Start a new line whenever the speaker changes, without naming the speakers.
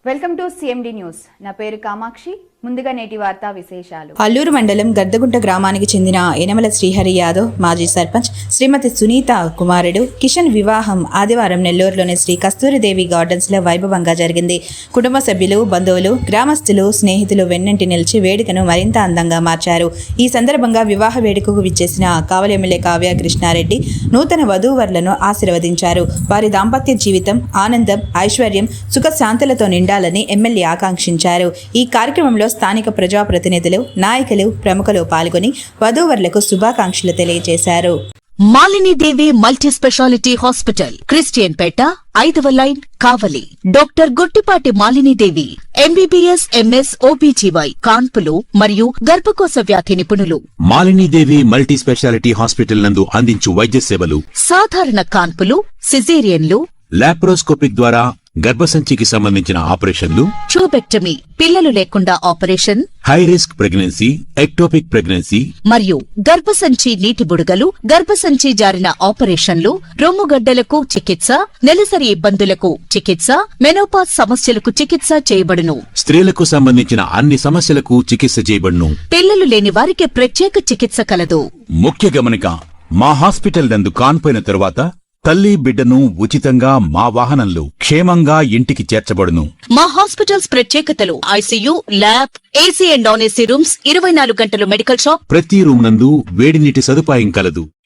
Welcome to CMD news. నా పేరు కామాక్షి. ముందుగా నేటి వార్తా విశేషాలు.
అల్లూరు మండలం గద్దగుంట గ్రామానికి చెందిన యనమల శ్రీహరి యాదవ్ మాజీ సర్పంచ్ శ్రీమతి సునీత కుమారుడు కిషన్ వివాహం ఆదివారం నెల్లూరులోని శ్రీ కస్తూరిదేవి గార్డెన్స్ లో వైభవంగా జరిగింది. కుటుంబ సభ్యులు, బంధువులు, గ్రామస్తులు, స్నేహితులు వెన్నంటి నిలిచి వేడుకను మరింత అందంగా మార్చారు. ఈ సందర్భంగా వివాహ వేడుకకు విచ్చేసిన కావలి ఎమ్మెల్యే కావ్య కృష్ణారెడ్డి నూతన వధూవరులను ఆశీర్వదించారు. వారి దాంపత్య జీవితం ఆనందం, ఐశ్వర్యం, సుఖశాంతులతో నిండాలని ఎమ్మెల్యే ఆకాంక్షించారు. ఈ కార్యక్రమంలో స్థానిక ప్రజాప్రతినిధులు, నాయకులు, ప్రముఖులు పాల్గొని వధూవరులకు శుభాకాంక్షలు తెలియజేశారు.
Malinidevi multi speciality hospital, Christian Peta, 5వ line, Kavali. Doctor Gottipati Malinidevi, MBBS, MS, OBGY, కాన్పులు మరియు గర్భకోశ వ్యాధి నిపుణులు.
మాలినీదేవి మల్టీ స్పెషాలిటీ హాస్పిటల్ నందు అందించు వైద్య సేవలు:
సాధారణ కాన్పులు, సిజేరియన్లు,
లాప్రోస్కోపిక్ ద్వారా గర్భసంచికి సంబంధించిన ఆపరేషన్లు,
ట్యూబెక్టమీ, పిల్లలు లేకుండా operation,
high risk pregnancy, ectopic pregnancy
మరియు గర్భసంచి నీటి బుడగలు, గర్భసంచి జారిన ఆపరేషన్లు, రొమ్ముగడ్డలకు చికిత్స, నెలసరి ఇబ్బందులకు చికిత్స, మెనోపాజ్ సమస్యలకు చికిత్స చేయబడును.
స్త్రీలకు సంబంధించిన అన్ని సమస్యలకు చికిత్స చేయబడును.
పిల్లలు లేని వారికి ప్రత్యేక చికిత్స కలదు.
ముఖ్య గమనిక: మా హాస్పిటల్ నందు కాన్పోయిన తరువాత తల్లి, బిడ్డను ఉచితంగా మా వాహనంలో క్షేమంగా ఇంటికి చేర్చబడును.
మా హాస్పిటల్స్ ప్రత్యేకతలు: ICU, lab, AC and non AC rooms, 24 గంటలు మెడికల్ షాప్,
ప్రతి రూమ్ నందు వేడి నీటి సదుపాయం కలదు.